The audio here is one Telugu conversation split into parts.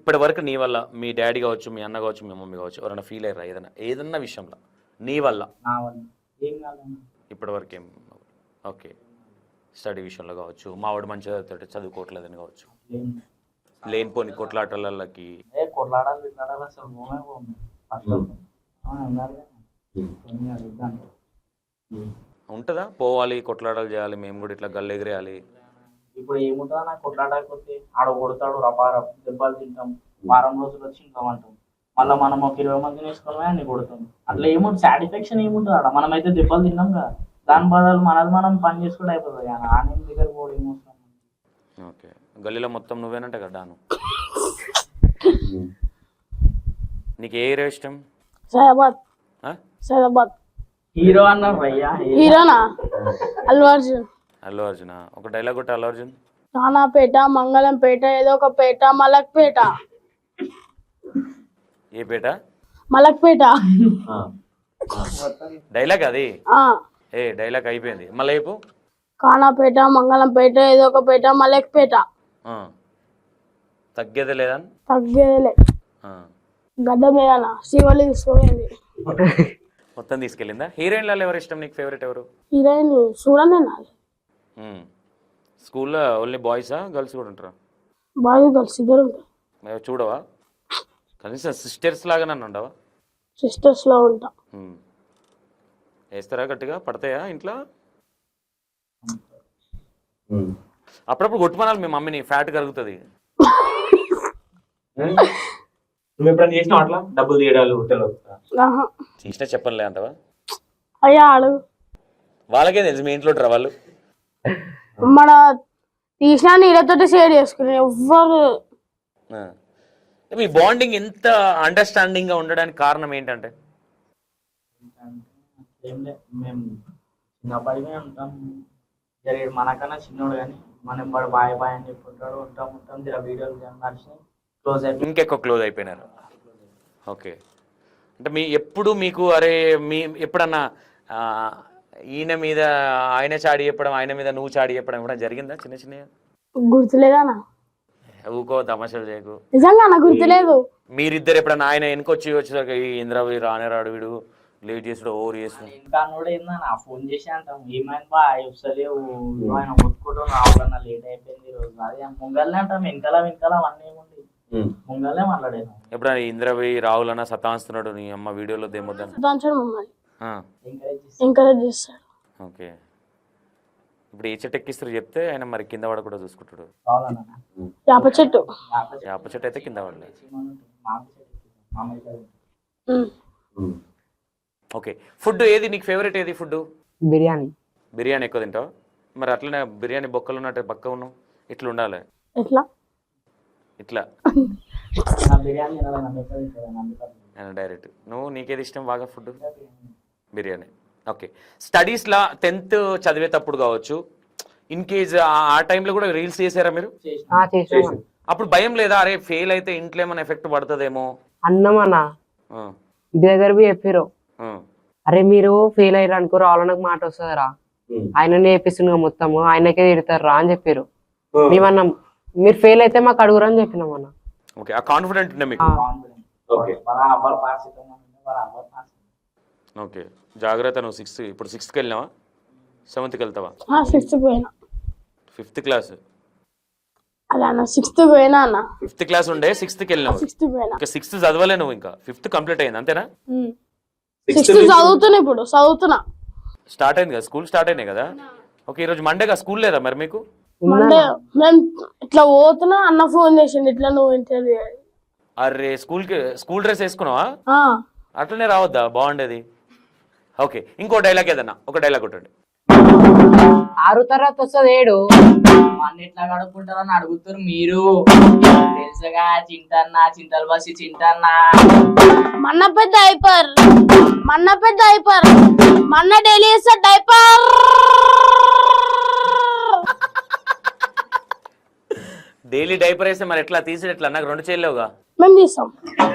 ఇప్పటి వరకు నీ వల్ల మీ డాడీ కావచ్చు, మీ అన్న కావచ్చు, మీ మమ్మీ కావచ్చు, ఎవరైనా ఫీల్ అయ్యారా ఏదన్నా విషయంలో నీ వల్ల? నా వల్ల ఏం కాదన్న. ఇప్పటి వరకు ఏం? ఓకే, స్టడీ విషయంలో కావచ్చు, మావాడు మంచిగా చదువుకోవట్లేదని కావచ్చు, లేనిపోని కొట్లాటలకి కొట్లాడాలి తిట్లాడాలి అసలు పోమే పోము అట్లా అన్నారు కదా. ఉంటుందా? పోవాలి, కొట్లాటలు చేయాలి, మేము కూడా ఇట్లా గల్లెగిరేయాలి. ఇప్పుడు ఏముంటుందా నాకు కొట్లాడకపోతే ఆడ కొడతాడు రపార దెబ్బలు తింటాం, వారం రోజులు వచ్చి ఇంకా అంటాం, మళ్ళీ మనం ఒక 20 మందిని వేసుకొని అన్ని కొడతాం. అట్లా ఏముంటుంది, సాటిస్ఫాక్షన్ ఏముంటుంది ఆడ? మనమైతే దెబ్బలు తిన్నాం కదా, దాని బదులు మనది మనం పని చేసుకుంటే అయిపోతుంది. ఆనే దగ్గర కూడా ఏమొస్తాం. ఓకే, గల్లీలో మొత్తం నువ్వేనంట కదా డాను. నీకు ఏ ఏరియా ఇష్టం? సైదాబాద్. ఆ? సైదాబాద్. హీరో అన్నారు భయ్యా. హీరోనా? అల్లు అర్జున్. అల్లు అర్జున్. ఒక డైలాగ్ కొట్ట అల్లు అర్జున్. నానాపేట, మంగళంపేట, ఏదో ఒక పేట, మలక్పేట. ఏ పేట? మలక్పేట. డైలాగ్ అది. ఆ, ఏ డైలాగ్ అయిపోయింది, మళ్ళీ అయిపో. కానాపేట, మంగళంపేట, ఏదో ఒక పేట, మలక్పేట. తగ్గేదే లేదా? తగ్గేదేలే. గడ్డ మీదనా శివలి తీసుకోలేదు. మొత్తం తీసుకెళ్ళిందా? హీరోయిన్లలో ఎవరు ఇష్టం నీకు? ఫేవరెట్ ఎవరు? హీరోయిన్ చూడండి నాది. స్కూల్లో ఓన్లీ బాయ్సా, గర్ల్స్ కూడా ఉంటారా? బాయ్స్ గర్ల్స్ ఇద్దరు ఉంటారు. చూడవా? కనీసం సిస్టర్స్ లాగా నన్ను ఉండవా? సిస్టర్స్ లో ఉంటా. వేస్తారా గట్టిగా? పడతాయా ఇంట్లో? అప్పుడప్పుడు కొట్టుమనాలి మీ మమ్మీని, ఫ్యాట్ కరుగుతుంది. నువ్వు ఎప్పుడైనా చేసినావు అట్లా డబ్బులు తీయడాలు హోటల్లో? చేసినా చెప్పనులే అంటవా? అయ్యా అడుగు. వాళ్ళకే తెలుసు మీ ఇంట్లో ఉంటారా వాళ్ళు. మన తీసినా నీళ్ళతోటి షేర్ చేసుకుని ఎవ్వరు. మీ బాండింగ్ ఎంత అండర్స్టాండింగ్ గా ఉండడానికి కారణం ఏంటంటే? ఏం లేదు, మేము చిన్నప్పటికే ఉంటాం. జరిగే మనకన్నా చిన్నోడు కానీ మనం వాడు బాయ్ బాయ్ అని చెప్పుకుంటాడు. ఉంటాం జర వీడియోలు నడిచినాయి, క్లోజ్ అయిపోయి ఇంకెక్కువ క్లోజ్ అయిపోయినారు. ఓకే, అంటే ఎప్పుడు మీకు అరే మీ ఎప్పుడన్నా ఈయన మీద ఆయన చాడి చెప్పడం, ఆయన మీద నువ్వు చాడి చెప్పడం కూడా జరిగిందా? చిన్న చిన్న గుర్తులేదా? ఊకో, తమాషాలు చేయకు. నిజంగా నాకు గుర్తులేదు. మీరిద్దరు ఎప్పుడన్నా ఆయన వచ్చేసరికి ఇంద్రవి రానే రాడు, వీడు లేట్ చేసుడు, ఓవర్ చేస్తాడు. ఇంకా కూడా ఏందన్నా ఫోన్ చేసి అంటాం, ఏమైంది బా వస్తలేవు, ఆయన ఒత్తుకోవడం రావాలన్నా లేట్ అయిపోయింది రోజు. అదే ముంగల్నే అంటాం, వెనకాల అవన్నీ ఏముంది, ముంగల్నే మాట్లాడాను. ఎప్పుడైనా ఇంద్రవి రావులన్నా సతాయిస్తున్నాడు నీ అమ్మ వీడియోలో దేమొద్దని? ఎంకరేజ్ చేస్తాడు. ఓకే, ఇప్పుడు ఏ చెట్టు ఎక్కిస్తారు చెప్తే ఆయన మరి కింద పడ కూడా చూసుకుంటాడు. యాప చెట్టు. యాప చెట్టు అయితే కింద పడలేదు. ఓకే, ఫుడ్ ఏది నీకు ఫేవరెట్? ఏది ఫుడ్? బిర్యానీ. బిర్యానీ ఎక్కువ తింటావు? మరి అట్లనే బిర్యానీ బొక్కలు ఉన్నట్టు పక్క ఉన్నావు, ఇట్లా ఉండాలి. ఎట్లా? ఇట్లా బిర్యానీ డైరెక్ట్. నువ్వు నీకేది ఇష్టం బాగా ఫుడ్? బిర్యానీ. ఓకే, స్టడీస్లా 10th చదివేటప్పుడు కావచ్చు, ఇన్ కేజ్ ఆ టైంలో కూడా రీల్స్ చేసారా మీరు? అప్పుడు భయం లేదా? అరే ఫెయిల్ అయితే ఇంట్లో ఏమైనా ఎఫెక్ట్ పడుతుందేమో? అన్నమన్నా ఇంటి దగ్గర చెప్పారు, అరే మీరు ఫెయిల్ అయ్యారు అనుకో రావాలన్నకు మాట వస్తుందిరా, ఆయననే చేపిస్తుండగా మొత్తము ఆయనకే తిడతారు రా అని చెప్పారు. మేమన్నాం మీరు ఫెయిల్ అయితే మాకు అడుగురు అని చెప్పినాం అన్న. ఓకే, ఆ కాన్ఫిడెంట్ ఉండే మీకు? ఓకే, జాగ్రత్త. నువ్వు ఇప్పుడు 6th వెళ్ళినావా? 7th వెళ్తావా? 6th పోయినా. 5th క్లాస్ అలా 6th పోయినా అన్న. 5th క్లాస్ ఉండే 6th వెళ్ళినావు. 6th పోయినా. ఇంకా 6th చదవలే నువ్వు, ఇంకా 5th కంప్లీట్ అయింది అంతేనా? 6th చదువుతున్నా, ఇప్పుడు చదువుతున్నా. స్టార్ట్ అయింది కదా, స్కూల్ స్టార్ట్ అయినాయి కదా. ఓకే, ఈరోజు మండేగా, స్కూల్ లేదా మరి మీకు? మండే మేము ఇట్లా పోతున్నా, అన్న ఫోన్ చేసిండు ఇట్లా నువ్వు ఇంటర్వ్యూ. అరే స్కూల్ డ్రెస్ వేసుకున్నావా? అట్లనే రావద్దా? బాగుండేది. ఓకే, ఇంకో డైలాగ్ ఏదన్నా ఒక డైలాగ్ కొట్టండి. 6వ తరగతి వస్తుంది 7 మన ఎట్లా కడుక్కుంటారని అడుగుతారు మీరు. తెలుసుగా చింటన్నా, చింతలు బసి చింటన్నా, మన్న పెద్ద డైపర్, మన్న డైలీ వేస్తా డైపర్. డైలీ డైపర్ వేస్తే మరి ఎట్లా తీసి ఎట్లా? నాకు 2 చేయలేవుగా. మేము తీస్తాం.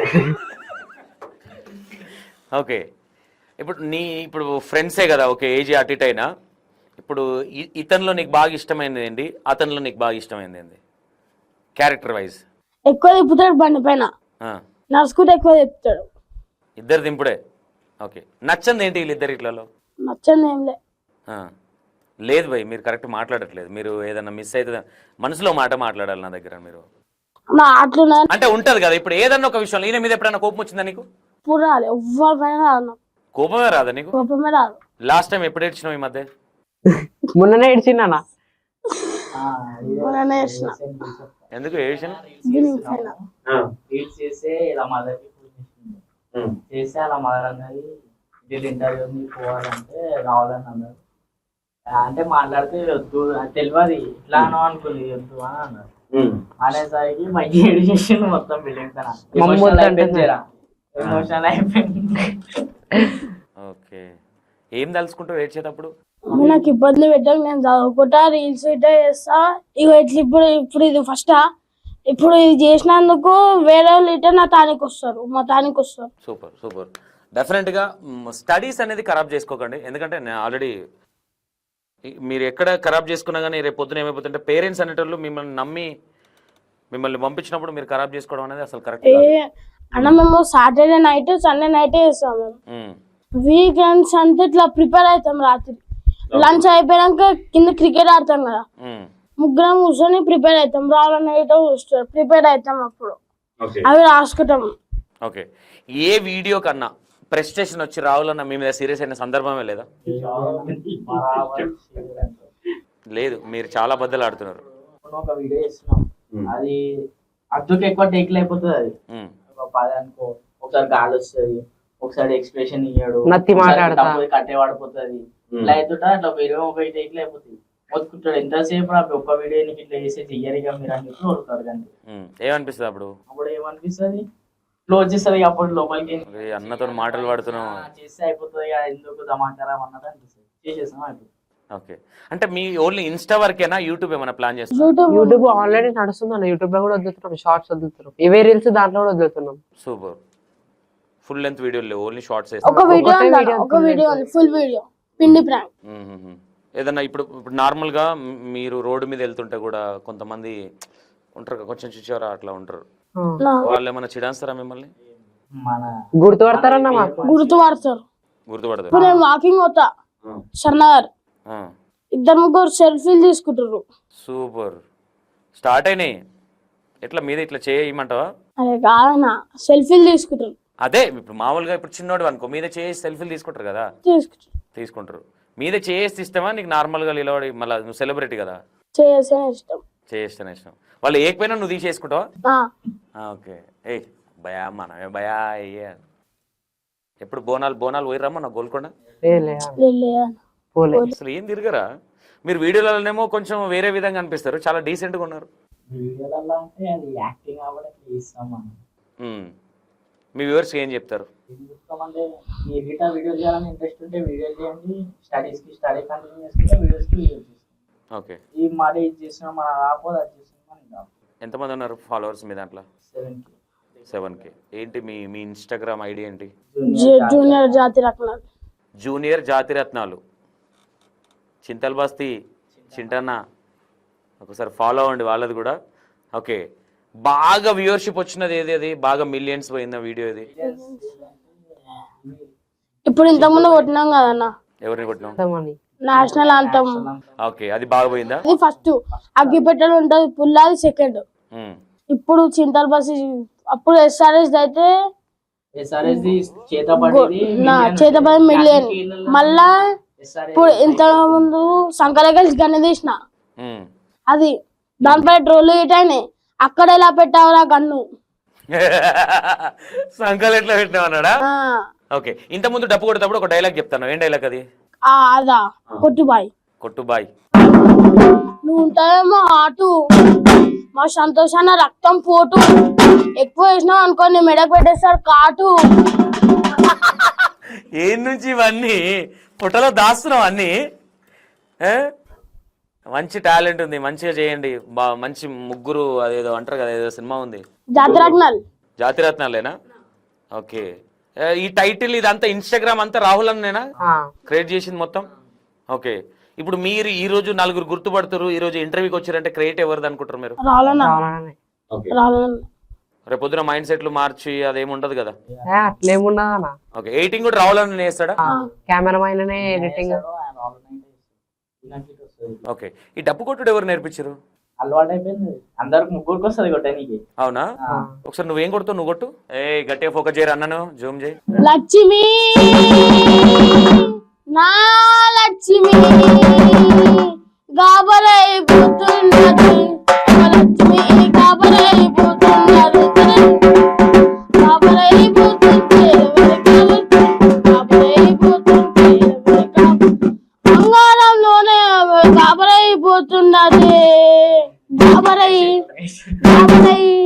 ఓకే, ఇప్పుడు ఫ్రెండ్సే కదా, ఓకే ఏజ్ అటు ఇటు అయినా, ఇప్పుడు ఇతనిలో నీకు బాగా ఇష్టమైనది ఏంటి, అతనిలో నీకు బాగా ఇష్టమైనది ఏంటి క్యారెక్టర్ వైజ్? ఎక్కువ తిప్పుతాడు బండి పైన, ఆ, నడుచుకుంటే ఎక్కువ తిప్పుతాడు. ఇద్దరు దింపుడే. ఓకే, నచ్చంది ఏంటి వీళ్ళిద్దరు ఇట్లలో? నచ్చంది ఏం లే. ఆ, లేదు భయ్, మీరు కరెక్ట్ మాట్లాడట్లేదు. మీరు ఏదన్నా మిస్ అవుతుంది, మనసులో మాట మాట్లాడాలి నా దగ్గర మీరు. నా అట్లున్నా అంటే ఉంటది కదా, ఇప్పుడు ఏదన్నా ఒక విషయంలో ఈయన మీద ఎప్పుడైనా కోపం వచ్చిందా నీకు? ఇప్పుడు రాలి ఎవ్వరి పైన రాదు నాకు, కోపమే రాదా నీకు? కోపమే రాదు. లాస్ట్ టైం ఎప్పుడు ఏడ్చినావు ఈ మధ్య? మొన్ననే ఏడ్చిండు అన్న. మొన్ననే చేసిన. ఎందుకు ఏడ్చిన? దీనికి పైన రీల్స్ చేస్తే ఇలా మదర్కి ఫోన్ చేసింది, చేస్తే అలా మదర్ అన్నది ఇది ఇంటర్వ్యూ ఉంది పోవాలంటే రావాలని అన్నారు. అంటే మాట్లాడితే వద్దు అది తెలియదు, ఇట్లా అనో అనుకుంది వద్దు అని అన్నారు. అనేసరికి మంచి ఏడు చేసిండు మొత్తం బిల్డింగ్ తన ఎమోషనల్ అయిపోయింది. ఓకే, ఏం తలుచుకుంటావు ఏడ్చేటప్పుడు? నాకు ఇబ్బంది పెట్టాక నేను చదువుకుంటా, రీల్స్ ఇట్లా చేస్తా. ఇక ఇట్లా ఇప్పుడు ఇది ఫస్ట్, ఇప్పుడు ఇది చేసినందుకు వేరే వాళ్ళు ఇట్లా నా తానికి వస్తారు, మా తానికి వస్తారు. Super super. డెఫినెట్గా స్టడీస్ అనేది ఖరాబ్ చేసుకోకండి. ఎందుకంటే నేను ఆల్రెడీ మీరు ఎక్కడ ఖరాబ్ చేసుకున్నా కానీ రేపు పొద్దున ఏమైపోతుంటే పేరెంట్స్ అనేటోళ్ళు మిమ్మల్ని నమ్మి మిమ్మల్ని పంపించినప్పుడు మీరు ఖరాబ్ చేసుకోవడం అనేది అసలు కరెక్ట్. అన్న మేము సాటర్డే నైట్ సండే నైట్ చేస్తాం. మేము వీకెండ్స్ అంతా ఇట్లా ప్రిపేర్ అవుతాం. రాత్రి లంచ్ అయిపోయాక కింద క్రికెట్ ఆడతాం కదా, ముగ్గురం కూర్చొని ప్రిపేర్ అవుతాం. రావాలని చూస్తారు, ప్రిపేర్ అవుతాం. అప్పుడు అవి రాసుకుంటాం. ఓకే, ఏ వీడియో కన్నా ప్రెస్టేషన్ వచ్చి రావాలన్న మీ మీద సీరియస్ అయిన సందర్భమే లేదా? లేదు, మీరు చాలా బద్దలు ఆడుతున్నారు. ఒక వీడియో చేస్తున్నాం, అది అద్దుకు ఎక్కువ టేక్లు అయిపోతుంది. అది ఒక 10 అనుకో, ఒకసారి గాలి వస్తుంది, ఒకసారి ఎక్స్ప్రెషన్ ఇయ్యాడు, కట్టే పడిపోతుంది. ఇట్లా అవుతుంటా అట్లా ఒక 20 టేక్లు అయిపోతుంది. మొత్తుకుంటాడు ఎంతసేపు ఒక్క వీడియో నీకు ఇట్లా చేసే చెయ్యరిగా మీరు అని చెప్పి కొడుతాడు. కానీ ఏమనిపిస్తుంది అప్పుడు? అప్పుడు ఏమనిపిస్తుంది, క్లోజ్ చేస్తుంది. అప్పుడు లోపలికి అన్నతో మాటలు పడుతున్నాం చేస్తే అయిపోతుంది కదా, ఎందుకు దమాకరం అన్నది అనిపిస్తుంది. చేసేస్తాం అయిపోతుంది. ఓకే, అంటే మీ ఓన్లీ ఇన్స్టా వరకేనా? యూట్యూబ్ ఏమైనా ప్లాన్ చేస్తున్నారు? యూట్యూబ్ ఆల్రెడీ నడుస్తుంది అన్న. యూట్యూబ్ లో కూడా వదులుతున్నాం, షార్ట్స్ వదులుతున్నాం, ఇవే రీల్స్ దాంట్లో కూడా వదులుతున్నాం. సూపర్. ఫుల్ లెంత్ వీడియోలు లేవు, ఓన్లీ షార్ట్స్. ఒక వీడియో ఫుల్ వీడియో పిండి ప్రాంక్. ఏదన్నా ఇప్పుడు నార్మల్ గా మీరు రోడ్డు మీద వెళ్తుంటే కూడా కొంతమంది ఉంటారు, కొంచెం చూచారా అట్లా ఉంటారు, వాళ్ళు ఏమైనా చిడాస్తారా మిమ్మల్ని? మన గుర్తుపడతారన్న మాకు. గుర్తుపడతారు. గుర్తుపడతారు. నేను వాకింగ్ పోతా షర్నగర్, ఇద్దరు ముగ్గురు సెల్ఫీలు తీసుకుంటారు. సూపర్. స్టార్ట్ అయినాయి ఎట్లా మీద ఇట్లా చేయమంటావా? అదే కాదన్నా, సెల్ఫీలు తీసుకుంటారు. అదే ఇప్పుడు మామూలుగా ఇప్పుడు చిన్నోడు అనుకో మీద చేసి సెల్ఫీలు తీసుకుంటారు కదా, తీసుకుంటారు. మీద చేసి ఇష్టమా నీకు? నార్మల్ గా నిలబడి మళ్ళీ నువ్వు సెలబ్రిటీ కదా, చేస్తేనే ఇష్టం. వాళ్ళు ఏకపోయినా నువ్వు తీసేసుకుంటావా? ఓకే. ఏ భయా మనమే భయా అయ్యే. ఎప్పుడు బోనాలు పోయిరమ్మా నా గోల్కొండ? అసలు ఏం తిరగరా మీరు? వీడియోలలోనేమో కొంచెం వేరే విధంగా అనిపిస్తారు, చాలా డీసెంట్ గా ఉన్నారు. వీడియోలలో అంటే అది యాక్టింగ్ అవ్వడానికి ఇస్తాం మనం. మీ వ్యూవర్స్ ఏం చెప్తారు? అంటే మీ వీడియో చేయాలని ఇంట్రెస్ట్ ఉంటే వీడియో చేయండి, స్టడీ కంటిన్యూ చేసుకుంటే వీడియోస్కి వీడియో చేస్తాం. ఓకే, ఈ మాట ఇది చేస్తున్నాం మన రాకపోతే అది చేస్తున్నాం. ఎంతమంది ఉన్నారు ఫాలోవర్స్ మీ దాంట్లో? 7K. ఏంటి మీ ఇన్స్టాగ్రామ్ ఐడి ఏంటి? జూనియర్ జాతిరత్నాలు. చింతల్ బస్తీ చింటన్న ఒకసారి ఫాలో అవ్వండి వాళ్ళది కూడా. ఓకే, బాగా వ్యూవర్షిప్ వచ్చినది ఏది? అది బాగా మిలియన్స్ పోయిందా వీడియో ఇది? ఇప్పుడు ఇంతకుముందు కొట్టినాం కదన్నా. ఎవరిని కొట్టినాం? నేషనల్ అంతమ్. ఓకే, అది బాగా పోయిందా? అది ఫస్ట్ అగ్గిపెట్టెలు ఉంటది పుల్లాది సెకండ్. ఇప్పుడు చింతల్ బస్సు, అప్పుడు SRS అయితే చేతపడి మిలియన్. మళ్ళా ఇప్పుడు ఇంత ముందు సంకలగల్సి గన్ను తీసిన, అది దానిపై ట్రోల్ అయినాయి. అక్కడ ఎలా పెట్టావురా గన్ను? సంకల్ ఎట్లా పెట్టినావన్నాడా? ఓకే, ఇంత ముందు డప్పు కొట్టేటప్పుడు ఒక డైలాగ్ చెప్తాను, ఏం డైలాగ్ అది? అదా కొట్టుబాయ్. నువ్వు ఉంటావేమో ఆటు, మా సంతోషాన రక్తం పోటు, ఎక్కువ వేసినావు అనుకో నీ మెడకు పెట్టేస్తారు కాటు. ఏం నుంచి ఇవన్నీ పుట్టలో దాస్తున్నావు అన్ని? మంచి టాలెంట్ ఉంది, మంచిగా చేయండి. మంచి ముగ్గురు అదేదో అంటారు కదా, ఏదో సినిమా ఉంది జాతిరత్నాలేనా? ఓకే, ఈ టైటిల్ ఇదంతా ఇన్స్టాగ్రామ్ అంతా రాహుల్ అన్నేనా క్రియేట్ చేసింది మొత్తం? ఓకే, ఇప్పుడు మీరు ఈ రోజు 4 గుర్తుపడుతారు, ఈ రోజు ఇంటర్వ్యూకి వచ్చారంటే క్రియేట్ ఎవరిది అనుకుంటారు మీరు? రావాలన్న రేపు పొద్దున మైండ్ సెట్లు మార్చి అదేమి ఉండదు కదా. అట్లేమున్నదా అన్న? ఓకే, ఎడిటింగ్ కూడా రావాలని చేస్తాడా? కెమెరామైన్ ఎడిటింగ్. ఓకే, ఈ డప్పు కొట్టుడు ఎవరు నేర్పించారు? అలవాటు అయిపోయింది, అందరికి ముగ్గురికి వస్తుంది కొట్టడానికి. అవునా? ఒకసారి నువ్వేం కొడుతావు, నువ్వు కొట్టు. గట్టిగా ఫోకస్ చేయరు అన్నను, జూమ్ చేయి. లక్ష్మి నా లక్ష్మి గాబరైపోతున్నది, లక్ష్మి గాబరైపోతున్నది, గాబరైపోతుంటే బంగారంలోనే గాబరైపోతున్నది, గాబరై గాబరై